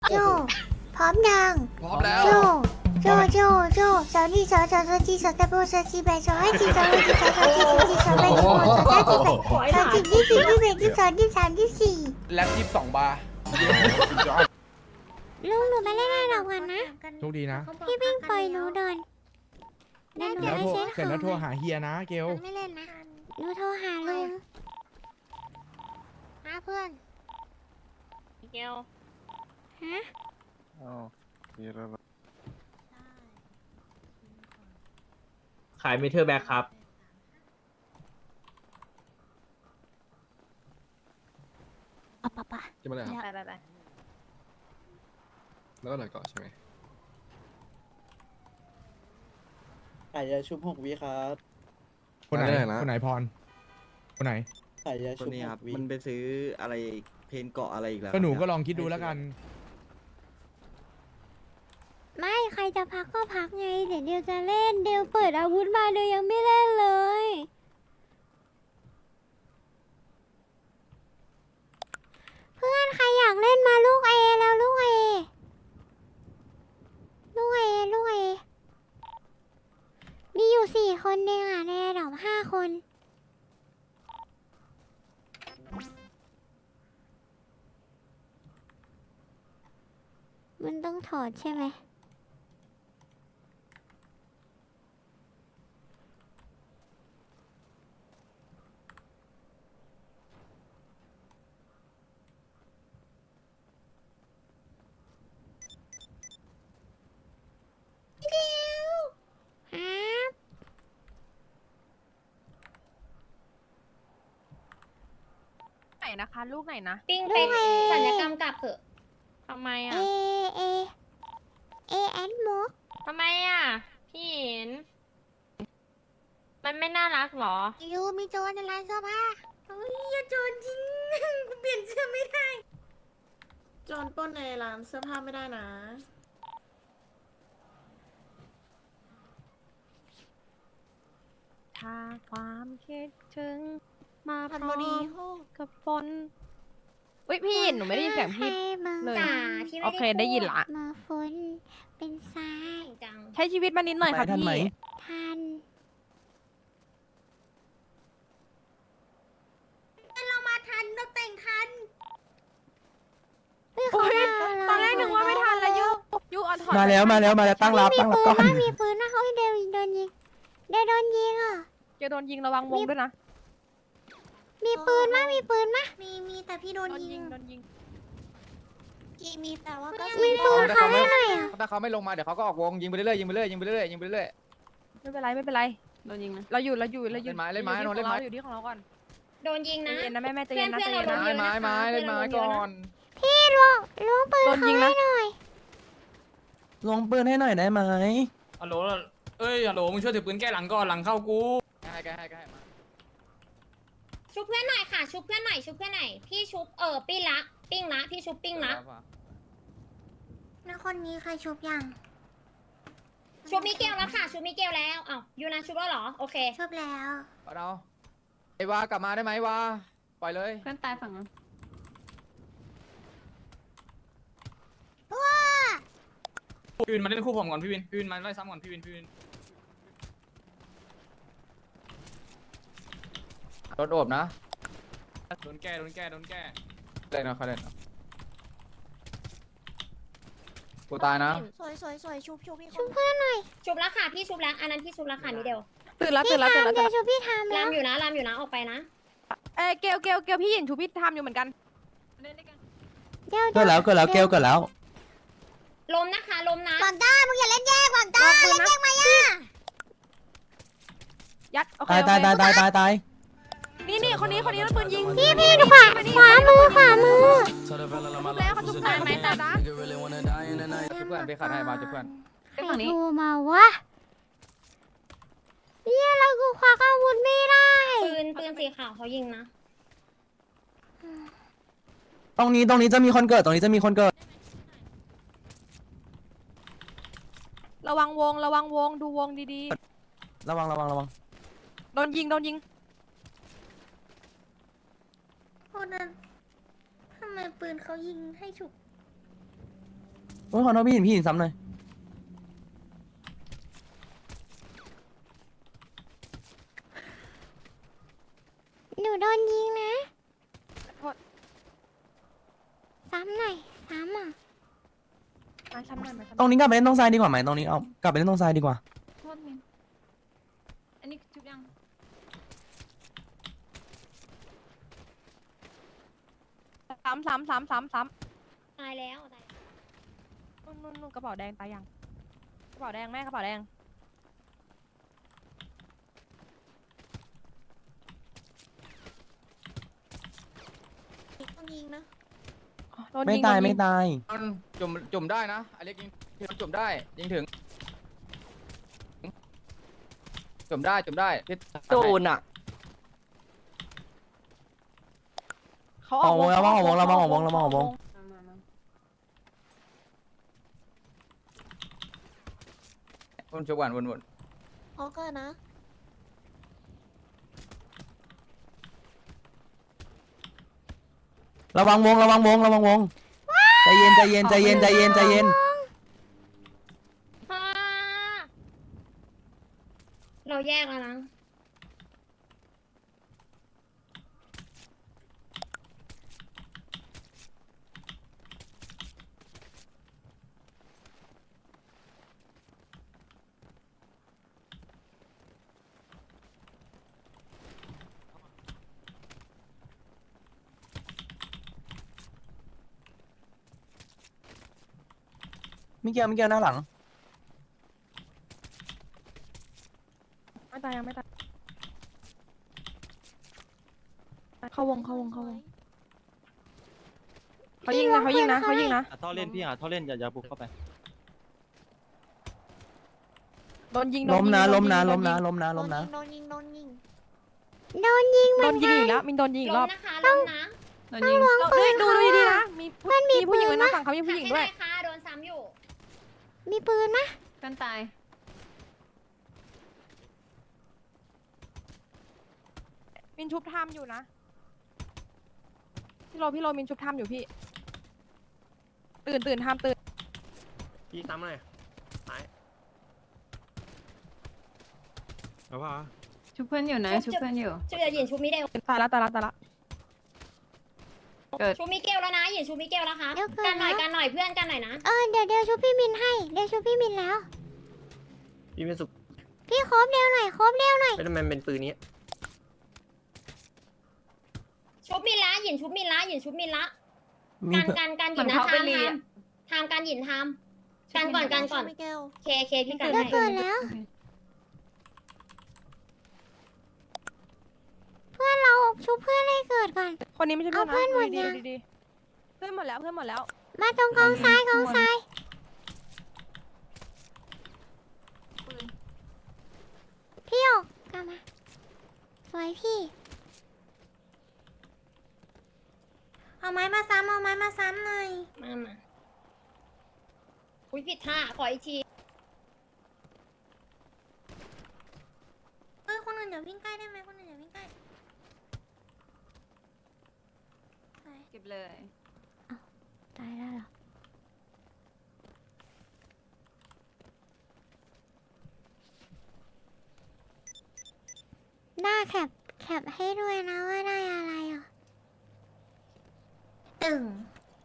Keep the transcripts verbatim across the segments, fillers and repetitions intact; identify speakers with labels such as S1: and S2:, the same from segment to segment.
S1: โจพร้อมยัง
S2: พร้อมแล้ว
S1: โจโจโจโจสาวนี่สาวสาวสาวจีสาวตะโบสาวจีแบสาวให้จีสาวให้จีสาวสาวจีสาวจีสาวแบสาวสาวจีแบสาวจีที่สี่ที่แบที่สองที่สามที่สี่
S2: แล็บยี่สิบสองบาร์
S1: ลุงหนูไปเล่นอะไรกันนะ
S3: โชคดีนะ
S1: พี่วิ่งปล่อยหนูเดินเดี๋ยวหนู
S3: แล้ว
S1: ไป
S3: โทร
S1: เช็ค
S3: เสร็จแล้วโทรหาเฮียนะเกล
S1: ไม่เล่นนะหนูโทรหาลุงหาเพื่อน
S4: เกล
S1: ฮะ
S5: ขายเมเทอร์แบ็คครับ
S1: เอาปะปะ
S2: จะมาเลยครับ
S4: ไปไปไป
S2: แล้วก็หน่อยก่อนใช่ไหม
S6: ขายยาชุบหกวิครับ
S3: คนไหนคนไหนพรคนไหน
S6: ขายยา
S7: ค
S6: ชุ
S7: น
S6: บ
S7: นี้
S6: ห
S7: ครับ
S6: กวิ
S7: มันไปซื้ออะไรเพนเกาะอะไรอีกแล้ว
S3: ก็หนู
S7: ครับ
S3: ก็ลองคิดดูแล้วกัน
S1: ไม่ใครจะพักก็พักไงเดี๋ยวเดียวจะเล่นเดียวเปิดอาวุธมาเดียวยังไม่เล่นเลย เพื่อนใครอยากเล่นมาลูกเอแล้วลูกเอลูกเอลูกเอมีอยู่สี่คนเองอ่ะในระดับห้าคน มันต้องถอดใช่ไหมเดี๋ยวครับ
S4: ไหนนะคะ ลูกไหนนะ
S8: ปิ้งเป็กสัญญกรรมกลับเถอะ
S4: ทำไม
S1: เอ
S4: อ่ะ
S1: เอเอแอนมก
S4: ทำไมอ่ะ พี่เห็น มันไม่น่ารักเหรอ
S1: ยูมีโจรในร้านเสื้อผ้าเฮ้ยอย่าโจรจริง กูเปลี่ยนเสื้อไม่ได้
S9: โจรปล้นในร้านเสื้อผ้าไม่ได้นะ
S4: ถ้าความคิดถึง มาพ
S9: พัน
S4: ร้
S9: บ
S4: อ
S9: ดี
S4: มกับฝนอุ้ยพี่หนูไม่ได้ยินเสียงพี่ เลย
S8: จ๋าพี่ไม่
S4: โอเคได้ยินละ
S1: มาฝนเป็นทราย
S8: จัง
S4: ใช้ชีวิตมานิดหน่อยค่ะ
S7: ไปทันไหม
S4: พี่
S1: ทัน
S8: เรามาทันเราแต่งทัน
S1: เฮ้ย
S4: โอ้ย
S1: เขามา
S4: ตอนแรกนึกว่าไม่ทันแล้วยุยุเออนถอด
S7: มาแล้วมาแล้วมาแล้วตั้งรับ
S1: มี
S7: ตั้งรับ
S1: ปืน
S7: ก่อน
S1: นะมีปืนนะเฮ้ยเดวโดนยิงเดวโดนยิงอ่ะ
S4: เกลโดนยิงระวังวงด้วยนะ
S1: มีปืนมะมีปืนมะ
S8: มีมีแต่พี่โดน
S4: โดน
S8: ยิ
S4: ยิ
S8: ง
S4: งโดนยิง
S8: กีมีแต่ว่าก็
S1: มีปืนเขาให้หน่อยอ่ะ
S2: ถ้าเขาไม่ลงมาเดี๋ยวเขาก็ออกวงยิงไปเรื่อยๆยิงไปเรื่อยๆยิงไปเรื่อยๆยิงไปเรื่อย
S4: ไม่เป็นไรไม่เป็นไร
S9: โดนยิงนะ
S4: เราอยู่เราอยู่เราอยู่
S2: เล่นไม้เล่นไม้
S4: ราอยู่
S2: เล่นไม้
S4: ที่ของราอยู่ที่ของเราก่อน
S8: โดนยิง
S4: ใจ
S8: นะ
S4: เย็นนะแม่แม่ใจ
S8: เพื่
S4: เย็
S8: อน
S4: นนะ
S8: เพื่
S4: ใจ
S8: อนเรา
S4: เย็น
S8: โด
S4: นะ
S8: น
S2: ไม้ไม้ไม้เล่นไม้ก่อน
S1: พี่ล้วงล้วงปืน
S4: โดน
S1: เขา
S4: ยิง
S1: ให้
S4: นะ
S1: หน่อย
S7: ลงปืนให้หน่อยได้ไหม
S10: ฮัลโหลเอ้ยฮัลโหลมึงช่วยถือปืนแก้หลังก่อนหลังเข้ากู
S2: ให้ให้ให้ให้มา
S8: ชุบเพื่อนหน่อยค่ะ ชุบเพื่อนหน่อยชุบเพื่อนหน่อยพี่ชุบเออปิ้งละปิ้งละพี่ชุบปิ้งละ
S1: แล้วคนนี้ใครชุบยัง
S8: ชุบมิเกลแล้วค่ะชุบมิเกลแล้วอ้าวยูนาชุบแล้วเหรอโอเค
S1: ชุบแล้ว
S2: เอาเอาไอ้วากลับมาได้ไหมวาปล่อยเลย
S9: เพื่อนตายฝั่งนั้น
S10: พี่วินมาเล่นคู่ผมก่อนพี่วินพี่วินมาไล่ซ้ำก่อนพี่วินพี่วิน
S2: โดนโอบนะ
S10: โดนแก้โดนแก้โดนแก้
S2: เล่นนะเขาเล่นนะกูตายนะ
S8: สวยสวยสวยชุบชุบพี่
S1: ชุบเพื่อนหน่อย
S8: ชุบแล้วค่ะพี่ชุบแล้วอันนั้นพี่ชุบแล้วค่ะมิเดล
S4: ตื่นแล้วตื่
S1: พี่
S4: นแล้วตื่น
S1: ทำ
S4: แล้ว
S1: เดี๋
S4: ตื่
S1: ย
S4: นแล้ว
S1: วชุบพี่ทำแล้
S8: ราว มอยู่นะรามอยู่นะออกไปนะ
S4: เอ้ยเกลเกลเกลพี่หยินชูพี่ทำอยู่เหมือนกัน
S1: เดี๋ยว
S7: เกิดแล้วเกิดแล้วเกลเกิดแล้ว
S8: ลมนะคะลมนะ
S1: หวังต้ามึงอย่าเล่นแยกหวังต้า
S4: ลองปืนนะยัดโอเค
S7: ตายตาย
S4: โอเค
S7: ตายตายตายตาย
S4: นี่นี่คนนี้คนนี้โดนปืนยิง
S1: พี่พี่ขวาขวามือขวามือ
S4: ชุบแล้วเขาชุบแล้วไหมแต่นะ
S2: จุเพื่อนไปขัดให้มาจุเพื่อน
S1: ใครโทรมาวะเนี่ยเรากูควักอาวุธไม่ได้
S8: ปืนปืนสีขาวเขายิงนะ
S7: ตรงนี้ตรงนี้จะมีคนเกิดตรงนี้จะมีคนเกิด
S4: ระวังวงระวังวงดูวงดี
S7: ระวังระวังระวัง
S4: ๆโดนยิงโดนยิง
S1: คนนั้นทำไมปืนเขายิงให้ฉุก
S7: อ้ยขอโทษพี่หินพี่หินซ้ำหน่อย
S1: หนูโดนยิงนะ
S4: โทษ
S1: ซ้ำหน่อยซ้ำอ่ะ
S4: มาช้ำหน่อยมาช้ำห
S7: ตร
S4: น่อย
S7: งนี้กลับไปเล่นตรงทรายดีกว่าไหมตรงนี้เอากลับไปเล่นตรงทรายดีกว่า
S4: โทษมินอันนี้ชุบยังซ้ำซ้ำซ้ำซ้ำซ้
S8: ตายแล้วตาย
S4: ำนู่นนู่นนู่นกระเป๋าแดงตายยังกระเป๋าแดงแม่กระเป๋าแดง
S1: ต้องยิงนะ
S4: อ๋อโดน
S7: ไม่
S4: ยิง
S7: ตาย
S4: โดน
S7: ไม่
S4: ง
S7: ตาย
S2: จุ่มจุ่มได้นะอเล็กยิงจุ่มได้ยิงถึงจุ่มได้จุ่มได้พี่
S7: โดนอ่ะ
S4: เขา
S7: ออกวงแล้ว
S4: เขา
S7: ออกวงแล้ว
S4: เขา
S7: ออกวงแล้ว
S4: เขา
S7: ออกวง
S2: วนจุ่มก่อนวนวน
S1: พอเกินนะ
S7: ระวังวงระวังวงระวังวงใจเย็นใจเย็นใจเย็นใจเย็นใจเย็น
S8: อ่าเราแยกแล้วนะ
S7: มิเกลมิเกลหน้าหลัง
S4: ไม่ตายยังไม่ตายเข้าวงเข้าวงเข้าวงเขายิงนะเขายิงนะเขายิงนะ
S11: ท่อเล่นพี่หาท่อเล่นอย่าอย่าบุกเข้าไป
S4: โดนยิงโด
S7: ล้มนะ
S4: ยิง
S7: ล้มนะ
S4: โด
S7: ล้
S4: น
S7: ม
S4: ยิ
S7: นะ
S4: ง
S7: ล้มนะล้มนะ
S1: โดนยิงโดนยิงโดนยิงเห
S4: โด
S1: มือน น
S4: ยิง
S1: กัน
S4: อีกแล้วมินโดนยิงอีกรอบ
S8: ล้มนะคะล้มนะ
S4: โดนยิงเราดูดูดูดีๆนะมีผู้มีผู้หญิงด้วยนะฝั่งเขามีผู้หญิงด้วย
S8: หักให้ได้ค่ะโดนซ้ำอยู่
S1: มีปืนไหม
S4: กันตายมินชุบทามอยู่นะพี่โรพี่โรมินชุบทามอยู่พี่ตื่นตื่นทามตื่น
S11: พี่ซ้ำหน่อยตายเอาป่ะ
S8: ชุบเพื่อนอยู่นะชุบเพื่อนอยู่ชุบเดี๋ยวหยินชุบมิเดล
S4: ตายละตายละตายละ
S8: ชุบมิเกลแล้วนะหยินชุบมิเกลแล้วครับกันหน่อยกันหน่อยเพื่อนกันหน่อยนะ
S1: เออเดี๋ยวเดี๋ยวชุบพี่มินให้เดี๋ยวชุบพี่มินแล้ว
S11: พี่เป็นสุก
S1: พี่ครบเร็วหน่อยครบเร็วหน่อย
S11: เป็นมันเป็นปืนนี้
S8: ชุบมินละหยินชุบมินละหยินชุบมินละ
S7: มี
S8: การการการหยินนะทำทำทำการหยินทำการก่อนการก่อนเคเคพี่กัน
S1: เดี๋ยว
S8: ให้
S1: เกิดแล้ว เพื่อนเราชุบเพื่อนให้เกิดก่อน
S4: คนนี้ไม่ใช่เพื่อนนะ
S1: เอาเพื่อนหมด
S4: ดี
S1: ยัง
S4: ๆดีๆเพื่อนหมดแล้วเพื่อนหมดแล้ว
S1: มาตรงกองทรายกองทรายพี่ออกกลับมาสวยพี่เอาไม้มาซ้ำเอาไม้มาซ้ำหน่อย
S8: มามาอุ้ยผิดท่าขออีกที
S1: เออคนอื่นอย่าวิ่งใกล้ได้ไหมคนอื่นอย่าวิ่งใกล้
S4: เก็บเลย
S1: ตายแล้วเหรอหน้าแคปแคปให้ด้วยนะว่าได้อะไรอ่ะตึง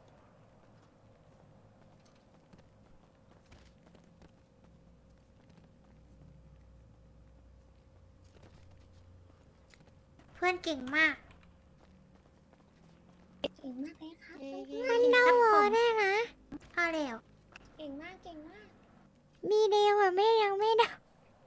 S1: เพื่อนเก่งมาก
S8: เก่งมากเลยครับ
S1: มันเดาหัวได้นะเอาเร็ว
S8: เก่งมากเก่งมาก
S1: มีเดียวอะไม่ยังไม่เดา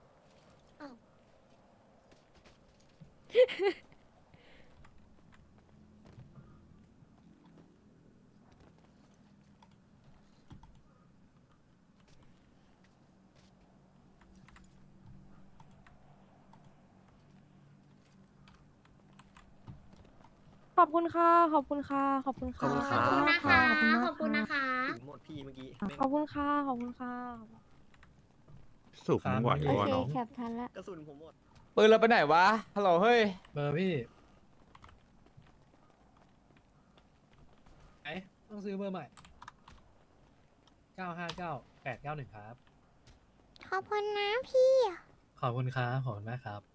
S4: ขอบคุณค่ะขอบคุณค่ะขอบคุณค่ะ
S8: ขอบคุณนะคะขอบคุณนะคะ
S11: หมดพี่เมื่อกี้
S4: ขอบคุณค่ะขอบคุณค่ะ
S11: สุกหวาน
S1: โอ
S11: วะ
S1: เค
S11: น้อง
S1: แคปทันละ
S11: กระสุนผมหมด
S2: ปืนเราไปไหนวะฮัลโหลเฮ้ย
S6: เบอร์พี่ไอต้องซื้อเบอร์ใหม่
S5: เก้าห้าเก้าแปดเก้าหนึ่งครับ
S1: ขอบคุณนะพี่
S5: ขอบคุณครับขอบคุณมากครับ